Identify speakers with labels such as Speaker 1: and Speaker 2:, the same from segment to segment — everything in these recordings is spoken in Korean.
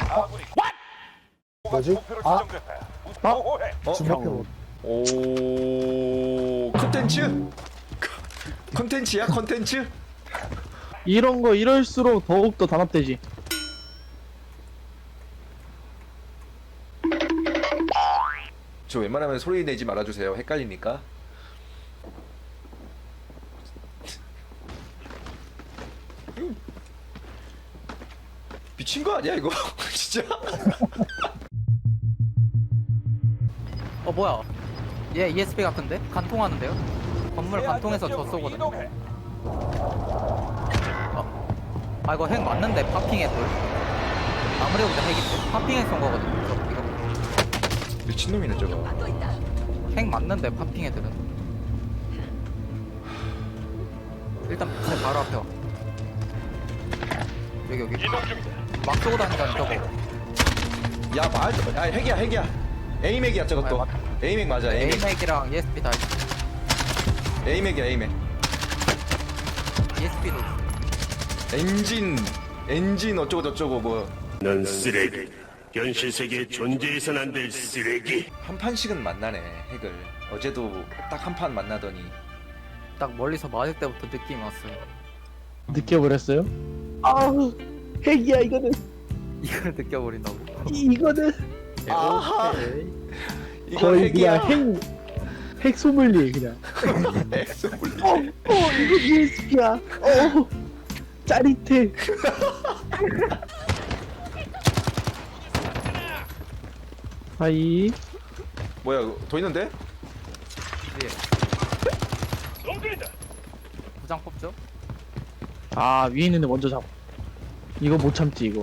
Speaker 1: 뭐지? 아, 주먹표.
Speaker 2: 오 컨텐츠? 컨텐츠야 컨텐츠?
Speaker 3: 이런 거 이럴수록 더욱더 단합되지.
Speaker 2: 저 웬만하면 소리 내지 말아주세요. 헷갈리니까. 미친 거 아니야 이거? 진짜?
Speaker 4: 뭐야? 얘 ESP 같은데? 간통하는데요? 건물 간통해서 저 쏘거든. 아 이거 핵 맞는데 파핑에 돌. 아무리 보자 핵이 파핑에 쏜 거거든. 이거
Speaker 2: 미친놈이네 저거.
Speaker 4: 핵 맞는데 파핑 애들은. 일단 제 바로 앞에 와. 여기 막 쏘고 다니다니 저거.
Speaker 2: 야 말, 아 핵이야. 에이맥이야 저것도. 에이맥 맞아. 에이맥.
Speaker 4: 에이맥이랑 ESP 다 있어.
Speaker 2: 에이맥이야 에이맥.
Speaker 4: ESP도 있어.
Speaker 2: 엔진 어쩌고 저쩌고 뭐.
Speaker 5: 넌 쓰레기. 현실 세계에 존재해선 안 될 쓰레기.
Speaker 2: 한 판씩은 만나네 핵을. 어제도 딱 한 판 만나더니.
Speaker 4: 딱 멀리서 맞을 때부터 느낌이 왔어요.
Speaker 3: 느껴버렸어요? 아우, 핵이야 이거는.
Speaker 4: 이걸 느껴버린다고?
Speaker 3: 이거는
Speaker 2: 아하. 이거
Speaker 3: 거의
Speaker 2: 핵이야.
Speaker 3: 그냥 핵 소믈리에 그냥.
Speaker 2: 핵 소믈리에.
Speaker 3: 이거 ESP야. 짜릿해. 하이.
Speaker 2: 뭐야 이거 더 있는데?
Speaker 4: 부장 뽑죠?
Speaker 3: 아, 위에 있는 애 먼저 잡아. 이거 못 참지 이거.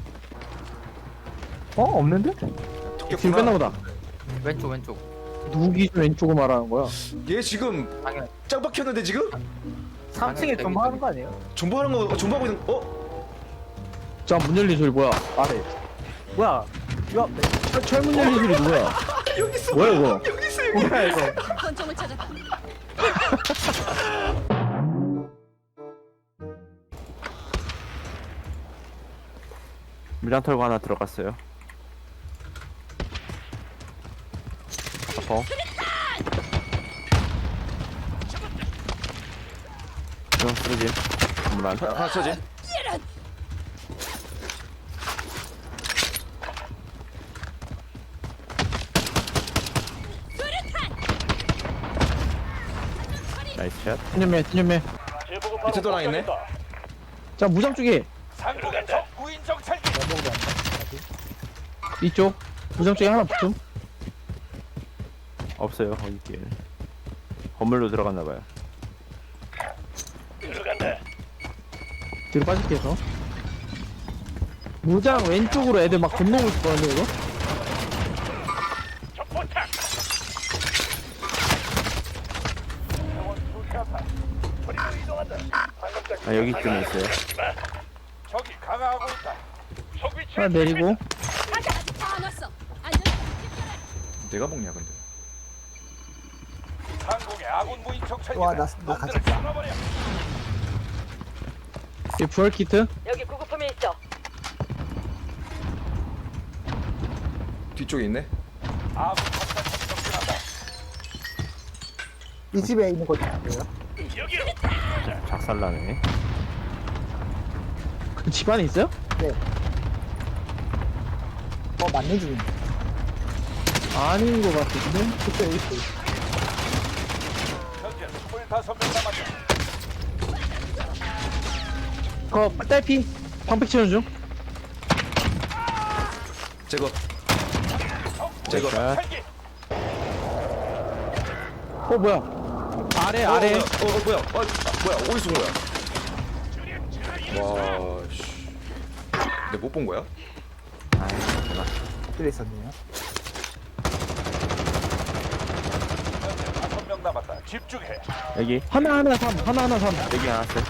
Speaker 3: 없는데? 뒤로 뺐나 보다.
Speaker 4: 왼쪽
Speaker 3: 누기 좀 왼쪽으로 말하는 거야.
Speaker 2: 얘 지금
Speaker 4: 당연
Speaker 2: 짱 박혔는데 지금?
Speaker 4: 3층에 좀 하는 거 아니에요?
Speaker 2: 존버하는 거 존버하고 있는
Speaker 3: 자, 문 열린 소리 뭐야? 아래.
Speaker 4: 뭐야?
Speaker 3: 철문 열린 소리 누구야? 뭐야 이거?
Speaker 4: 뭐야 이거?
Speaker 6: 권총을 찾았다.
Speaker 7: 물량 털고 하나 들어갔어요. 아파. 이건 쓰러짐. 물안.
Speaker 2: 하나 쳐지.
Speaker 7: 나이스 샷.
Speaker 3: tin념매.
Speaker 2: 밑에 도랑 있네.
Speaker 3: 자, 무장 쪽에 이쪽 무장 쪽에 하나 붙음.
Speaker 7: 없어요. 거기 길. 건물로 들어갔나봐요.
Speaker 3: 뒤로 빠질게 해서. 무장 왼쪽으로 애들 막 건너고 있거든요 이거.
Speaker 7: 아 여기쯤에 있어요.
Speaker 3: 하나 내리고.
Speaker 6: 아직 다안 왔어. 안전.
Speaker 2: 내가 먹냐 근데.
Speaker 1: 와, 나 갇혔다.
Speaker 3: 이 부활 키트.
Speaker 6: 여기 구급품이 있어.
Speaker 2: 뒤쪽에 있네.
Speaker 1: 이 집에 있는 거 같아요.
Speaker 7: 작살나네.
Speaker 3: 그 집안에 있어요?
Speaker 1: 네. 맞는 중인데.
Speaker 3: 아닌 것 같은데.
Speaker 1: 그때 있어.
Speaker 3: 그거 딸피 방패 치는 중.
Speaker 2: 제거.
Speaker 7: 샷.
Speaker 3: 뭐야? 아래.
Speaker 2: 뭐야? 뭐야? 어디서 온 거야? 와, 씨. 내가 못 본 거야?
Speaker 1: 그때 있었네요.
Speaker 7: 여기
Speaker 3: 하나 삼.
Speaker 7: 여기 하나 있어요.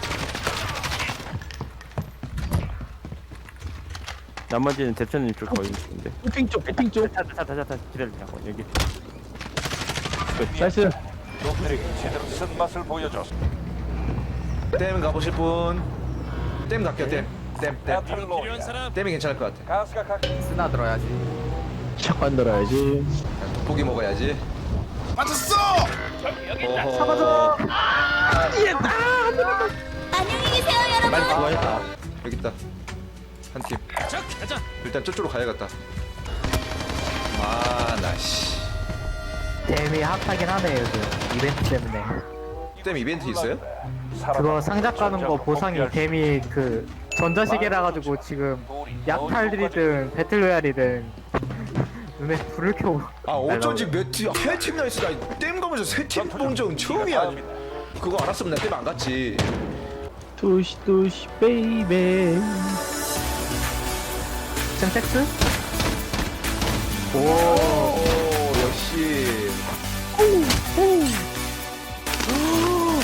Speaker 7: 나머지는 대천님 쪽 거의 있는데.
Speaker 3: 핑 쪽.
Speaker 7: 타타타타타 기다려 잠깐 여기.
Speaker 3: 나이스.
Speaker 2: 댐 가보실 분. 댐 갈게요 댐. 땜이 괜찮을 것 같아.
Speaker 4: 쓰나 들어야지.
Speaker 3: 샷건 들어야지.
Speaker 2: 돋보기 먹어야지. 맞았어. 잡아줘.
Speaker 6: 안녕히 계세요, 여러분.
Speaker 3: 빨리 구하겠다.
Speaker 2: 여기 있다. 한 팀. 일단 저쪽으로 가야겠다. 나 씨.
Speaker 8: 댐이 핫하긴 하네 요즘 이벤트 때문에.
Speaker 2: 땜 이벤트 있어요?
Speaker 8: 그거 상자 까는 거 보상이 댐이 그 전자시계라 가지고 지금 약탈들이든 배틀로얄이든 눈에 불을 켜고.
Speaker 2: 어쩐지 세 팀이나 있어. 나땜 가면서 세 팀 본 적은 처음이야. 그거 알았으면 나 땜 안 갔지.
Speaker 3: 뚜시 뚜시 베이베.
Speaker 8: 섹스?
Speaker 2: 오 역시.